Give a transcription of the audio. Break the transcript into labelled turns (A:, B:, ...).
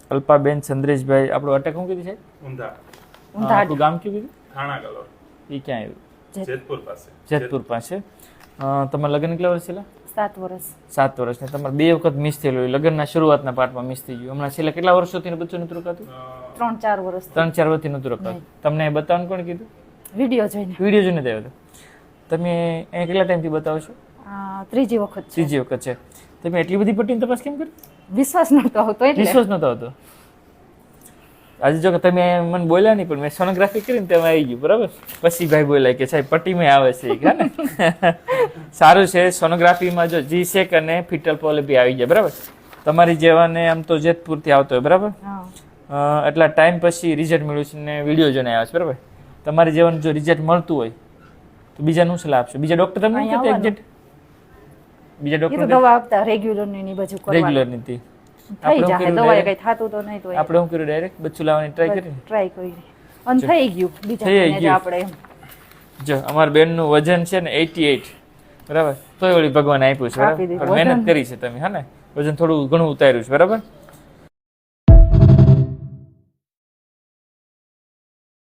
A: અલ્પાબેન ચંદ્રેશભાઈ, આપણું અટક શું કીધું છે?
B: ઊંધા.
A: આપણું ગામ કયું કીધું?
B: થાણા કલોલ.
A: એ ક્યાં આવ્યું?
B: જેતપુર પાસે.
A: જેતપુર પાસે. તમારા લગ્ન કેટલા વર્ષ થયેલા?
C: 7 વર્ષ.
A: 7 વર્ષ. ને તમારે 2 વખત મિસ થયેલું હોય, લગ્નના શરૂઆતના પાર્ટમાં મિસ થઈ ગયું. હમણાં છેલ્લા કેટલા વર્ષોથી બચ્ચું નતું રખાતું?
C: 3-4 વર્ષ.
A: 3-4 વર્ષથી નતું રખાતું. તમને બતાવવાનું કોણ કીધું?
C: વિડીયો જોઈને.
A: વિડીયો જોઈને થયો હતો. તમે અહીંયા કેટલા ટાઈમથી બતાવો છો?
C: ત્રીજી વખત છે.
A: ત્રીજી વખત છે. તમે એટલી બધી પટ્ટીની તપાસ કેમ કરી?
C: વિશ્વાસ નતો આવતો એટલે.
A: વિશ્વાસ નતો આવતો. આજે જો કે તમે મને બોલ્યા નહીં, પણ મેં સોનોગ્રાફી કરીને તેમાં આવી ગયું, બરાબર. પછી ભાઈ બોલ્યા કે સાહેબ પટ્ટીમાં આવે છે, ને સારું છે. સોનોગ્રાફીમાં જો જીસેક અને ફિટલ પોલિપી આવી જાય, બરાબર. તમારી જેવાને આમ તો જેતપુરથી આવતો હોય, બરાબર. એટલા ટાઈમ પછી રિઝલ્ટ મળ્યું છે ને વિડીયો જોઈને આવ્યા છે, બરાબર. તમારી જેવાનું જો રિઝલ્ટ મળતું હોય તો બીજાનું સલાહ આપશો? બીજા ડોક્ટર તમને કહેતા એક્ઝેક્ટ? બીજા ડોક્ટર
C: દવા આપતા રેગ્યુલર ની બધું કરવાનું.
A: રેગ્યુલર નીતિ
C: થઈ જાય દવાએ કઈ થાતું તો નહીં તો
A: આપણે શું કર્યું? ડાયરેક્ટ બચ્ચું લાવવાની ટ્રાય કરી.
C: ટ્રાય કરી અને થઈ ગયું. બીજા ને આપણે
A: જો અમાર બેનનું વજન છે ને 88, બરાબર. તોય ઓલી ભગવાન આપ્યું છે, બરાબર. મહેનત કરી છે તમે, હા ને. વજન થોડું ઘણું ઉતાર્યું છે, બરાબર.